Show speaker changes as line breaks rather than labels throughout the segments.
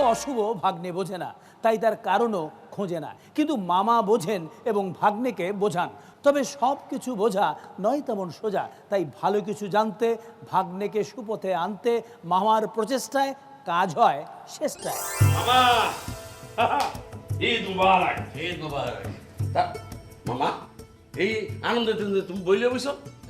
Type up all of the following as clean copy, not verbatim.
অশুভ ভাগ্নে বোঝে না, তাই তার কারণও খোঁজে না। কিন্তু মামা বোঝেন এবং ভাগ্নেকে বোঝান। তবে সব কিছু বোঝা নয় তেমন সোজা, তাই ভালো কিছু জানতে, ভাগ্নেকে সুপথে আনতে মামার প্রচেষ্টায় কাজ হয় শেষটায়।
মামা ঈদ মুবারক।
ঈদ মুবারক।
তা মামা এই আনন্দের দিনে তুমি বইলে বইছো?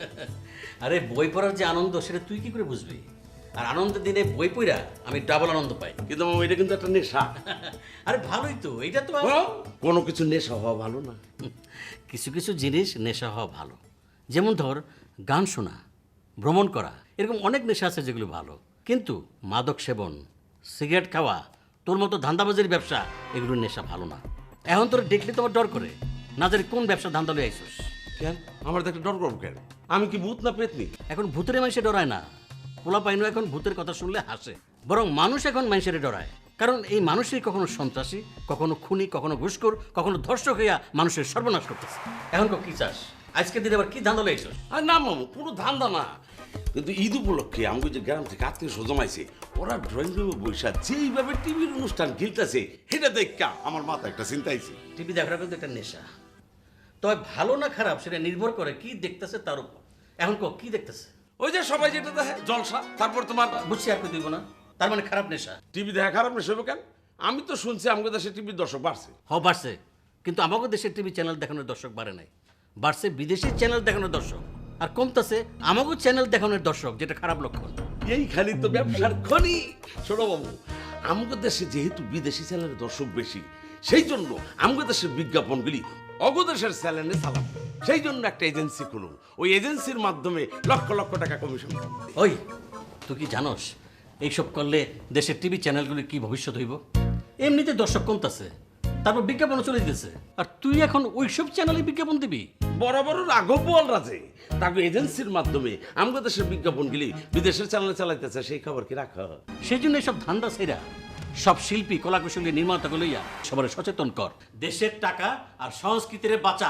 আরে বই পড়ার যে আনন্দ সেটা তুই কি করে বুঝবি? আর আনন্দের দিনে বই পড়া আমি ডাবল আনন্দ পাই।
কিন্তু মামা এটা কিন্তু একটা নেশা।
আরে ভালোই তো, এটা তো
কোনো কিছু নেশা হওয়া ভালো না।
কিছু কিছু জিনিস নেশা হওয়া ভালো। যেমন ধর গান শোনা, ভ্রমণ করা, এরকম অনেক নেশা আছে যেগুলো ভালো। কিন্তু মাদক সেবন, সিগারেট খাওয়া, তোর মতো ধান্দাবাজির ব্যবসা, এগুলো নেশা ভালো না। এখন তোর দেখলে তোমার ডর করে, না জানি কোন ব্যবসা ধান্দা লয়ে আইসোস।
কেন আমার দেখলে ডর করবো কেন? আমি কি ভূত না পেতনি?
এখন ভূতের মানুষে ডরায় না, পোলা পাইনো এখন ভূতের কথা শুনলে হাসে। বরং মানুষ এখন মানুষের ডরায়, কারণ এই মানুষই কখনো সন্ত্রাসী, কখনো খুনি, কখনো ঘুষখোর, কখনো ধর্ষক হইয়া মানুষের সর্বনাশ করতেছে। এখন কি চাস? আজকে দিনে আবার কি ধান্দা লইছস?
আর না মামু, কোনো ধান্দা না। কিন্তু ঈদ উপলক্ষে আমাকে যে গ্রাম থেকে আত্মীয় স্বজন আইছে, ওরা ড্রয়িং রুমে বসে যেইভাবে টিভির অনুষ্ঠান খেলতেছে, সেটা দেখা আমার মাথা একটা চিন্তা আইছে।
টিভি দেখাটা কিন্তু একটা নেশা। তবে ভালো না খারাপ সেটা নির্ভর করে কি দেখতেছে তার উপর। এখন কি দেখতেছে?
ওই যে সবাই যেটা দেখে জলসা, তারপর তোমার
বুঝছি, আর দিব না, তার মানে খারাপ নেশা।
টিভি দেখা খারাপ নেশা হবে কেন? আমি তো শুনছি আমাদের দেশে টিভির দর্শক বাড়ছে।
বাড়ছে, কিন্তু আমাদের দেশের টিভি চ্যানেল দেখানোর দর্শক বাড়ে নাই। বাড়ছে বিদেশি চ্যানেল দেখানোর দর্শক, আর কমতেছে আমাদের চ্যানেল দেখানোর দর্শক, যেটা খারাপ লক্ষণ।
এই খালি তো ব্যবসার খনি। শোনো বাবু, আমাদের দেশে যেহেতু বিদেশি চ্যানেলের দর্শক বেশি, সেই জন্য আমাদের দেশের বিজ্ঞাপনগুলি অগদেশের চ্যানেলে চালাবো। সেই জন্য একটা এজেন্সি খুলুন, ওই এজেন্সির মাধ্যমে লক্ষ লক্ষ টাকা কমিশন পাবো।
ওই তুই কি জানোস এইসব করলে দেশের টিভি চ্যানেলগুলির কি ভবিষ্যৎ হইব? এমনিতে দর্শক কমতেছে, তারপর বিজ্ঞাপন চলে দিতেছে, আর তুই এখন ওইসব চ্যানেলে বিজ্ঞাপন দিবি?
বড় বড় রাঘব বোয়াল রাজে তাকে এজেন্সির মাধ্যমে আমাদের দেশের বিজ্ঞাপনগুলি বিদেশের চ্যানেলে চালাইতেছে, সেই খবর কি রাখা?
সেই জন্য এসব ধান্দা ছেড়া সব শিল্পী, কলাকুশলী, নির্মাতাকে লইয়া সবার সচেতন কর। দেশের টাকা আর সংস্কৃতির বাঁচা।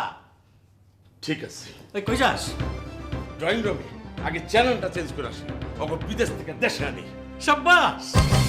ঠিক আছে,
ওই কই যাস?
ড্রয়িং রুমে আগে চ্যানেলটা চেঞ্জ করে আসি, ওকে বিদেশ থেকে দেশে আনি।
সাব্বাস।